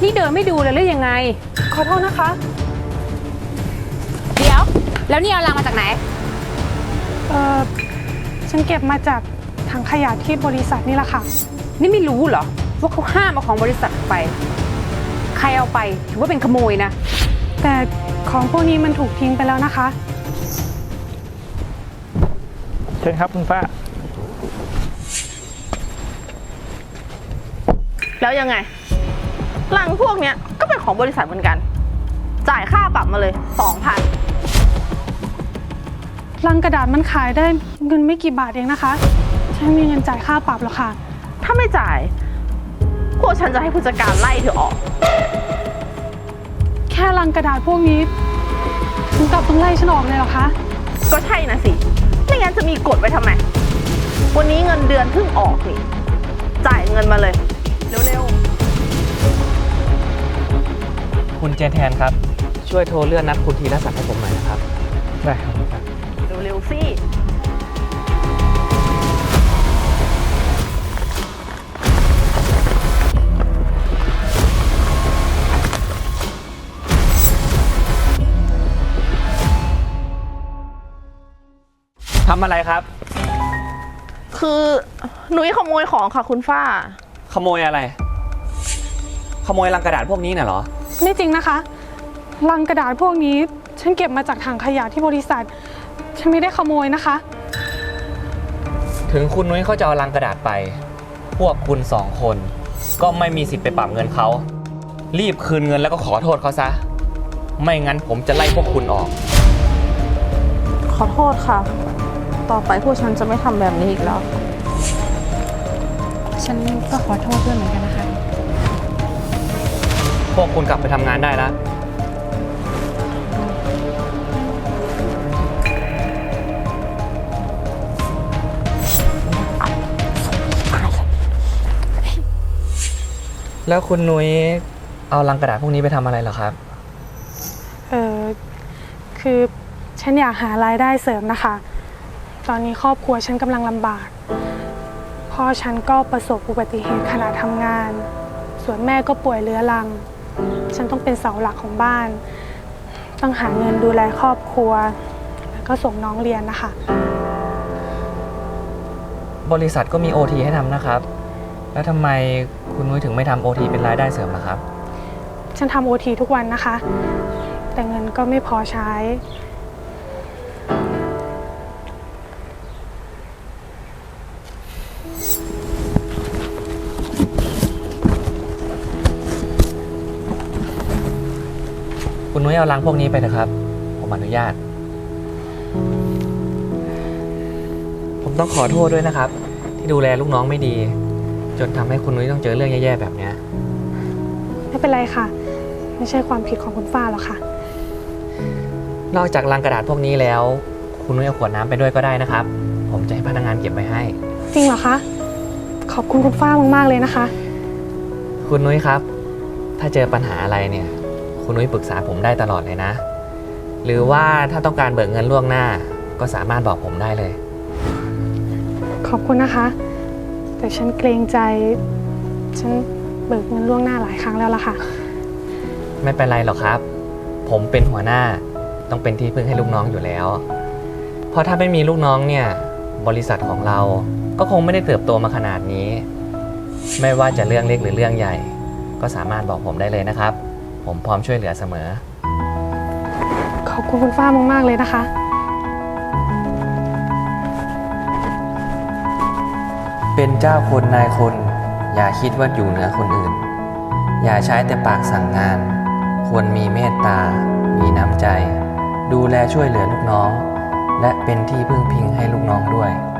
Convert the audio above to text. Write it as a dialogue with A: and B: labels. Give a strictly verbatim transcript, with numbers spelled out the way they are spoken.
A: นี่เดินไม่ดูเลยหรือยังไง
B: ขอโทษนะคะ
A: เดี๋ยวแล้วนี่เอาลังมาจากไหน
B: เออฉันเก็บมาจากถังขยะที่บริษัทนี่แหละค่ะ
A: นี่ไม่รู้เหรอว่าเขาห้ามเอาของบริษัทไปใครเอาไปถือว่าเป็นขโมยนะ
B: แต่ของพวกนี้มันถูกทิ้งไปแล้วนะคะ
C: เชิญครับคุณฟ้า
D: แล้วยังไงลังพวกเนี้ยก็เป็นของบริษัทเหมือนกันจ่ายค่าปรับมาเลยสองพัน
B: ลังกระดาษมันขายได้เงินไม่กี่บาทเองนะคะฉันมีเงินจ่ายค่าปรับหรอกค่ะ
D: ถ้าไม่จ่ายพวกฉันจะให้ผู้จัดการไล่เธอออก
B: แค่ลังกระดาษพวกนี้ถึงกับต้องไล่ฉันออกเลยเหรอคะ
D: ก็ใช่นะสิไม่งั้นจะมีกฎไว้ทำไมวันนี้เงินเดือนเพิ่งออกนี่จ่ายเงินมาเลยเร็ว
E: ๆคุณเจนแทนครับช่วยโทรเลื่อนนัดคุณธีรศักดิ์ให้ผมหน่อยนะครับ
C: ได้ครับ
D: เร็วๆสิ
E: ทำอะไรครับ
D: คือหนุ่ยขโมยของค่ะคุณฝ้า
E: ขโมยอะไรขโมยลังกระดาษพวกนี้น่ะเหรอ
B: ไม่จริงนะคะลังกระดาษพวกนี้ฉันเก็บมาจากถังขยะที่บริษัทฉันไม่ได้ขโมยนะคะ
E: ถึงคุณนุ้ยเขาจะเอาลังกระดาษไปพวกคุณสองคนก็ไม่มีสิทธิ์ไปปรับเงินเขารีบคืนเงินแล้วก็ขอโทษเขาซะไม่งั้นผมจะไล่พวกคุณออก
D: ขอโทษค่ะต่อไปพวกฉันจะไม่ทำแบบนี้อีกแล้ว
B: ฉันก็ขอโทษด้วยเหมือนกันนะคะ
E: พวกคุณกลับไปทำงานได้แล้วแล้วคุณนุ้ยเอาลังกระดาษพวกนี้ไปทำอะไรเหรอครับ
B: เออคือฉันอยากหารายได้เสริมนะคะตอนนี้ครอบครัวฉันกำลังลำบากพ่อฉันก็ประสบอุบัติเหตุขณะทำงานส่วนแม่ก็ป่วยเรื้อรังฉันต้องเป็นเสาหลักของบ้านต้องหาเงินดูแลครอบครัวแล้วก็ส่งน้องเรียนนะคะ
E: บริษัทก็มี โอ ที ให้ทำนะครับแล้วทำไมคุณนุ้ยถึงไม่ทำ โอ ที เป็นรายได้เสริมล่ะครับ
B: ฉันทำ โอ ที ทุกวันนะคะแต่เงินก็ไม่พอใช้
E: คุณนุ้ยเอาลังพวกนี้ไปเถอะครับผมอนุญาตผมต้องขอโทษด้วยนะครับที่ดูแลลูกน้องไม่ดีจนทำให้คุณนุ้ยต้องเจอเรื่องแย่ๆแบบนี้
B: ไม่เป็นไรค่ะไม่ใช่ความผิดของคุณฝ้าหรอกค่ะ
E: นอกจากลังกระดาษพวกนี้แล้วคุณนุ้ยเอาขวดน้ำไปด้วยก็ได้นะครับผมจะให้พนักงานเก็บไว้ให้
B: จริงเหรอคะขอบคุณคุณฝ้ามากๆเลยนะคะ
E: คุณนุ้ยครับถ้าเจอปัญหาอะไรเนี่ยคุณนุ้ยปรึกษาผมได้ตลอดเลยนะหรือว่าถ้าต้องการเบิกเงินล่วงหน้าก็สามารถบอกผมได้เลย
B: ขอบคุณนะคะแต่ฉันเกรงใจฉันเบิกเงินล่วงหน้าหลายครั้งแล้วล่ะค่ะ
E: ไม่เป็นไรหรอกครับผมเป็นหัวหน้าต้องเป็นที่พึ่งให้ลูกน้องอยู่แล้วเพราะถ้าไม่มีลูกน้องเนี่ยบริษัทของเราก็คงไม่ได้เติบโตมาขนาดนี้ไม่ว่าจะเรื่องเล็กหรือเรื่องใหญ่ก็สามารถบอกผมได้เลยนะครับผมพร้อมช่วยเหลือเสมอ
B: ขอบคุณคุณฝ้ามากๆเลยนะคะ
E: เป็นเจ้าคนนายคนอย่าคิดว่าอยู่เหนือคนอื่นอย่าใช้แต่ปากสั่งงานควรมีเมตตามีน้ำใจดูแลช่วยเหลือลูกน้องและเป็นที่พึ่งพิงให้ลูกน้องด้วย